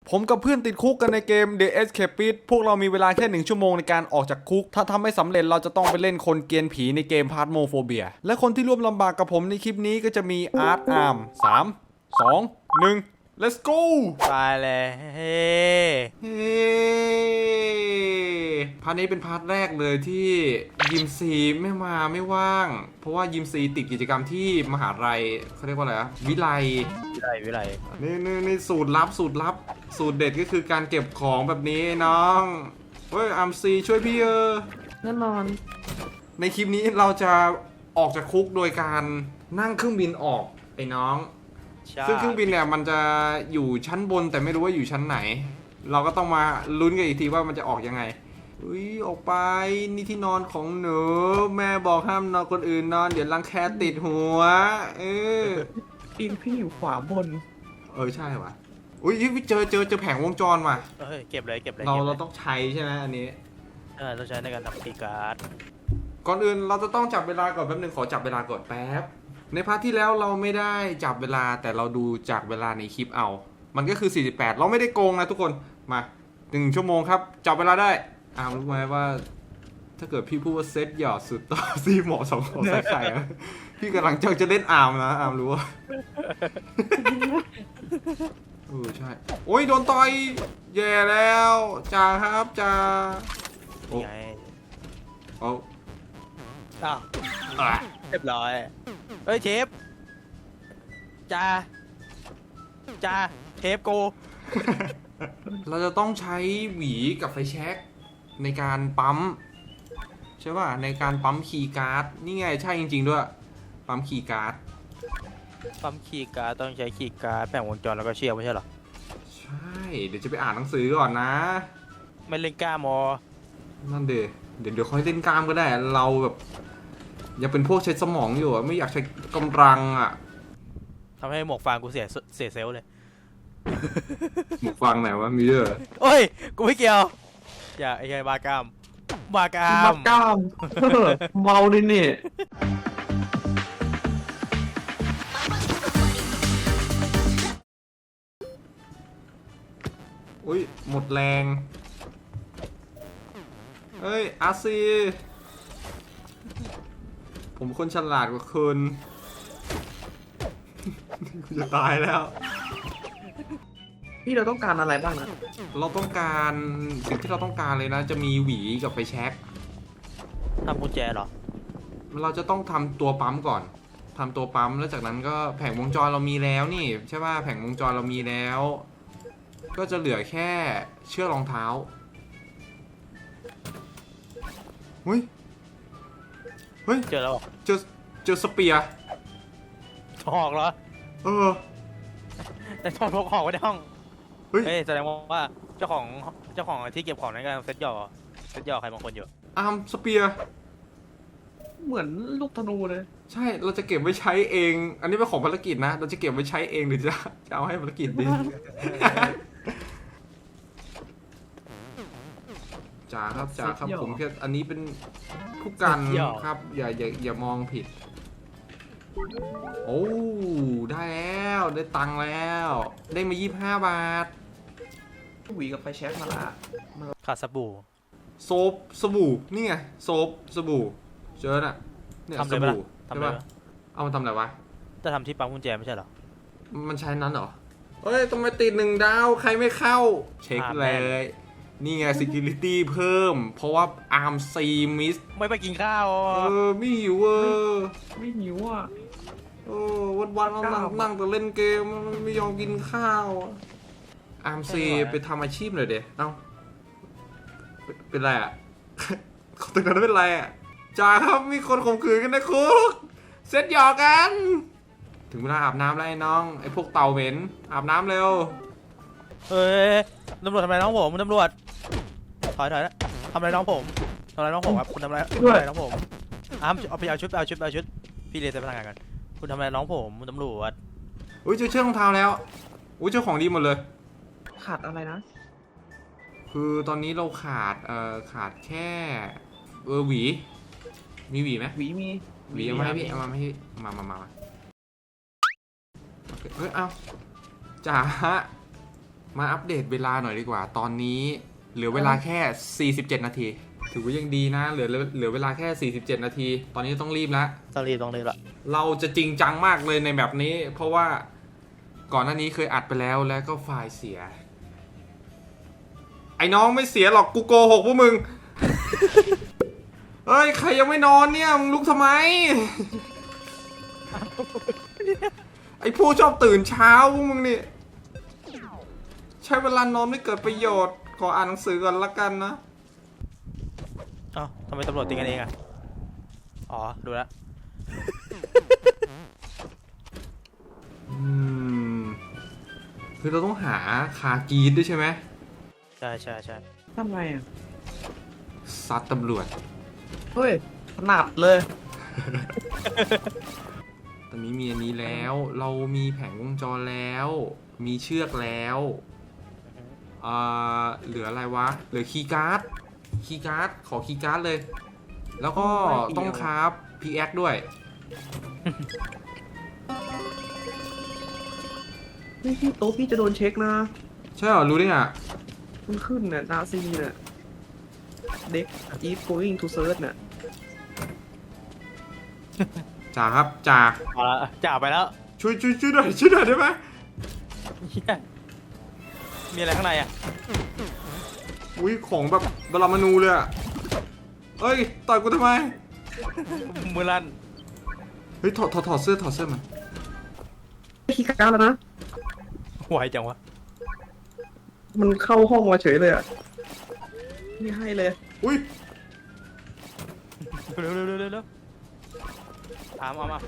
ผมกับเพื่อนติดคุกกันในเกม The Escapist พวกเรามีเวลาแค่1 ชั่วโมงในการออกจากคุกถ้าทำไม่สำเร็จเราจะต้องไปเล่นคนเกรียนผีในเกม Phasmophobia และคนที่ร่วมลำบากกับผมในคลิปนี้ก็จะมีอาร์ตอาร์ม3 2 1 let's go ไปเลยเฮ้เฮ้พาร์ทนี้เป็นพาร์ทแรกเลยที่ยิมซีไม่ว่าง เพราะว่ายิมซีติดกิจกรรมที่มหาลัยเขาเรียกว่าอะไรอะวิไลวิไลนี่สูตรลับสูตรเด็ดก็คือการเก็บของแบบนี้น้องเฮ้ยอัมซีช่วยพี่แน่นอนในคลิปนี้เราจะออกจากคุกโดยการนั่งเครื่องบินออกไอ้น้องซึ่งเครื่องบินเนี่ยมันจะอยู่ชั้นบนแต่ไม่รู้ว่าอยู่ชั้นไหน เราก็ต้องมาลุ้นกันอีกทีว่ามันจะออกยังไงอุ้ยออกไปนี่ที่นอนของหนูแม่บอกห้ามนอนคนอื่นนอนเดี๋ยวรังแคติดหัวพี่อยู่ขวาบนใช่ว่ะอุ้ยเจอแผงวงจรว่ะเก็บเลยเราต้องใช้ใช่ไหมอันนี้เราใช้ในการทำคีย์การ์ดก่อนอื่นเราจะต้องจับเวลาก่อนแป๊บนึงขอจับเวลาก่อนแป๊บในพาร์ทที่แล้วเราไม่ได้จับเวลาแต่เราดูจากเวลาในคลิปเอามันก็คือ48เราไม่ได้โกงนะทุกคนมา1 ชั่วโมงครับจับเวลาได้รู้ไหมว่าถ้าเกิดพี่พูดว่าเซตหยอดสุดต่อซีหมอ2 ของใส่ไข่พี่กำลังจะเล่นอาร์มนะอาร์มรู้ว่าใช่โอ้ยโดนต่อยแย่แล้วจ่าครับจ่านี่ไงเรียบร้อยเฮ้ยเชฟจ้าเชฟกูเราจะต้องใช้หวีกับไฟแช็กในการปั๊มใช่ป่ะในการปั๊มคีย์การ์ดนี่ไงใช่จริงๆด้วยปั๊มคีย์การ์ดต้องใช้คีย์การ์ดแผงวงจรแล้วก็เชือกไม่ใช่หรอใช่เดี๋ยวจะไปอ่านหนังสือก่อนนะไม่เล่นกล้ามอนั่นเดี๋ยวค่อยเล่นกล้ามก็ได้เราแบบยังเป็นพวกใช้สมองอยู่ไม่อยากใช้กำลังทำให้หมวกฟางกูเสียเซลล์เลยหมวกฟังไหนวะมีเยอะโอ้ยกูไม่เกี่ยวอย่าไอ้ไงบากามเมาดินี่อุ้ยหมดแรงเฮ้ยอาซีผมคนฉลาดกว่าคุณจะตายแล้วพี่เราต้องการอะไรบ้างนะเราต้องการสิ่งที่เราต้องการเลยนะจะมีหวีกับไฟแช็กทำกุญแจเหรอเราจะต้องทำตัวปั๊มก่อนทำตัวปั๊มแล้วจากนั้นก็แผงวงจรเรามีแล้วนี่ใช่ป่ะแผงวงจรเรามีแล้วก็จะเหลือแค่เชือกรองเท้าเฮ้ยเจอแล้วเจอสเปียร์หอกเหรอแต่ต้องพกหอกไว้ในห้องเฮ้ยแสดงว่าเจ้าของที่เก็บของในการเซ็ตหย่อใครบางคนอยู่สเปียร์เหมือนลูกธนูเลยใช่เราจะเก็บไว้ใช้เองอันนี้เป็นของภารกิจนะเราจะเก็บไว้ใช้เองหรือจะเอาให้ภารกิจดีจ่าครับผมแค่อันนี้เป็นผู้กันครับอย่ามองผิดโอ้ได้แล้วได้ตังค์แล้วได้มา25 บาทหวีกับไฟแช็กมาละขาดสบู่สบู่นี่ไงสบู่เจอน่ะเนี่ยสบู่ใช่ป่ะเอามาทำอะไรวะจะทำที่ปั๊มกุญแจไม่ใช่หรอมันใช้นั้นเหรอเฮ้ยต้องไปติด1 ดาวใครไม่เข้าเช็คเลยนี่ไง security เพิ่มเพราะว่าอาร์มซีมิสไม่ไปกินข้าวไม่หิวไม่หิววันนั่งแต่เล่นเกมไม่ยอมกินข้าวอาร์มซีไปทำอาชีพหน่อยเดี๋ยวเป็นไรตึกนั้นเป็นไรจ่าครับมีคนข่มขืนกันในคุกเซ็ตหยอกกันถึงเวลาอาบน้ำแล้วไอ้น้องไอ้พวกเต่าเหม็นอาบน้ำเร็วเฮ้ยตำรวจทำอะไรน้องผมตำรวจถอยแล้วทำอะไรน้องผมครับคุณทำอะไรน้องผมเอาไปเอาชุดพี่เรียนจะพนักงานกันคุณทำอะไรน้องผมตำรวจเจอเชือกรองเท้าแล้วเจ้าของดีหมดเลยขาดอะไรนะคือตอนนี้เราขาดแค่หวีมีหวีไหมหวีมีหวีเอามาให้พี่เอามาให้มาเฮ้ยเอาจ่ามาอัปเดตเวลาหน่อยดีกว่า ตอนนี้เหลือเวลาแค่ 47 นาที ถือว่ายังดีนะ เหลือเวลาแค่ 47 นาที ตอนนี้ต้องรีบแล้วต้องรีบละเราจะจริงจังมากเลยในแบบนี้ เพราะว่าก่อนหน้านี้เคยอัดไปแล้วแล้วก็ไฟล์เสีย ไอ้น้องไม่เสียหรอกกูโกหกพวกมึง เฮ้ย ใครยังไม่นอนเนี่ยมึงลุกทำไม ไอ้ผู้ชอบตื่นเช้าพวกมึงนี่ ใช้เวลานอนไม่เกิดประโยชน์ ขออ่านหนังสือก่อนละกันนะเอ้าทำไมตำรวจตีกันเองอ่ะอ๋อดูแล้วคือเราต้องหาคากีดด้วยใช่ไหมใช่ทำไงอ่ะซัดตำรวจเฮ้ยถนัดเลยตอนนี้มีอันนี้แล้ว เรามีแผงวงจรแล้ว มีเชือกแล้วเหลืออะไรวะ เหลือคีย์การ์ด ขอคีย์การ์ดเลย แล้วก็ต้องคราฟพีแอคด้วยพี่โต๊ะพี่จะโดนเช็คนะใช่เหรอ รู้ได้ไงมันขึ้นเนี่ยนาซีเนี่ยเด็ก is going to search เนี่ยจ่าครับจ่าเอาละจ่าไปแล้วช่วยหน่อยได้ไหมเหี้ยมีอะไรข้างในอ่ะอุ้ยของแบบบรามานูเลยอะเอ้ยต่อยกูทำไมมือลั่นเฮ้ยถอดเสื้อมันคีย์การ์ดแล้วนะไหวจังวะมันเข้าห้องมาเฉยเลยอ่ะไม่ให้เลยอุ้ยเร็วเอามา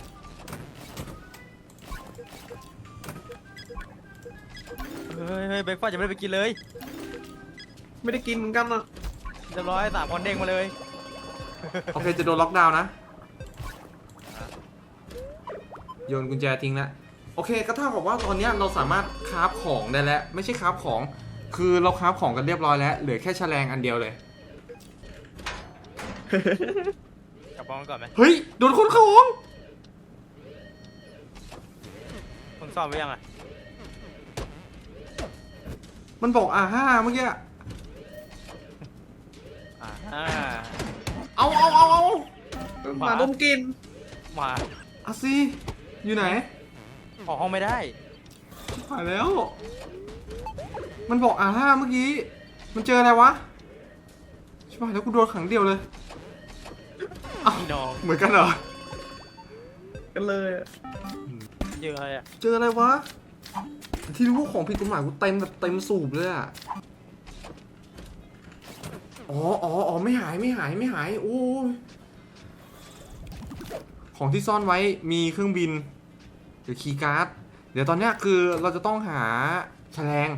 เฮ้ยเบรกฟาสต์ยังไม่ได้ไปกินเลยไม่ได้กินเหมือนกันอ่ะเรียบร้อย3 คนเด้งมาเลยโอเคจะโดนล็อกดาวน์นะ โยนกุญแจทิ้งแล้วโอเคก็เท่ากับว่าตอนนี้เราสามารถคราฟของได้แล้ว ไม่ใช่คราฟของ คือเราคราฟของกันเรียบร้อยแล้ว เหลือแค่แฉลงอันเดียวเลยกลับบ้านก่อนไหมเฮ้ย โดนคนเข้าห้องมึงซ่อมไว้ยังอ่ะมันบอก5เมื่อกี้อ่าเอามาดมกลินมาอาซีอยู่ไหนออกห้องไม่ได้ผ่านแล้ว มันบอกเมื่อกี้ มันเจออะไรวะใช่ป่ะแล้วกูโดนขังเดียวเลยพี่น้องเหมือนกันเหรอกันเลยอะเจออะไรอ่ะเจออะไรวะ ที่รู้ว่าของผิดกฎหมายกูเต็มแบบเต็มสูบเลยอะอ๋อไม่หายโอ้ยของที่ซ่อนไว้มีเครื่องบินหรือคีย์การ์ด เดี๋ยวตอนเนี้ยคือเราจะต้องหาแฉลง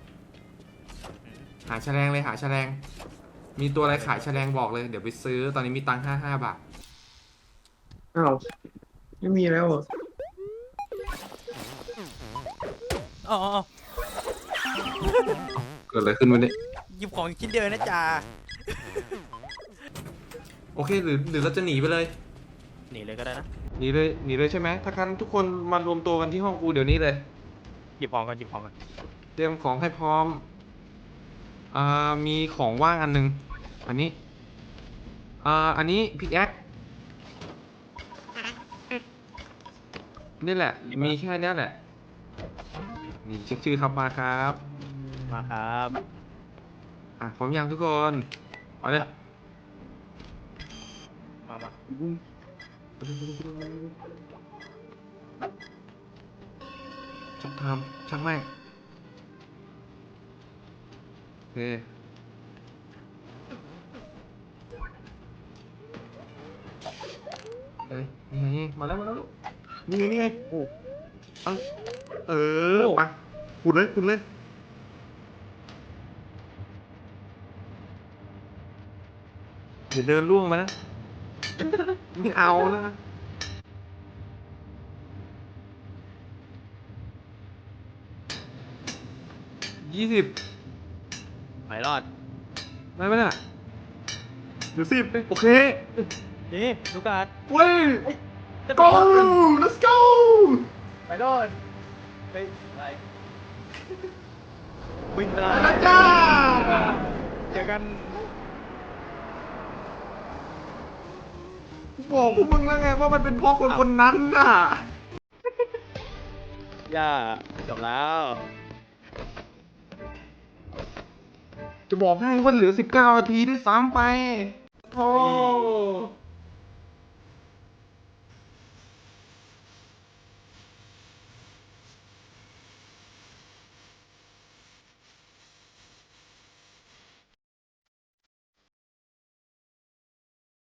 หาแฉลง มีตัวอะไรขายแฉลงบอกเลย เดี๋ยวไปซื้อ ตอนนี้มีตังค์55 บาทอ้าวไม่มีแล้วเหรออ๋อเกิดอะไรขึ้นวันนี้หยิบของชิ้นเดียวนะจ่าโอเคหรือเราจะหนีไปเลยหนีเลยก็ได้นะหนีเลยใช่ไหมถ้างั้นทุกคนมารวมตัวกันที่ห้องกูเดี๋ยวนี้เลยหยิบของกันเตรียมของให้พร้อม มีของว่างอันนึง อันนี้ อันนี้พิกแอคนี่แหละ มีแค่นี้แหละ นี่เช็คชื่อครับมาครับมาครับพร้อมยังทุกคนเอาเลยมาช่างทำช่างแม่งโอเคเฮ้ยนี่มาแล้วลูกนี่ไงโอ้ไปขุดเลย เดี๋ยวเดินล่วงมานะ ไม่เอานะ20 ไม่รอดได้ไหมน่ะเดี๋ยว10โอเคนี่ลูกการ์ดเว้ย go let's go ไปรอดไปอะไรวิ่งได้ไปแล้วจ้าเจอกันบอกพวกมึงแล้วไงว่ามันเป็นเพราะคนคนนั้นน่ะย่าจบแล้วจะบอกให้ว่าเหลือ19 นาทีด้วยซ้ำไปโอ้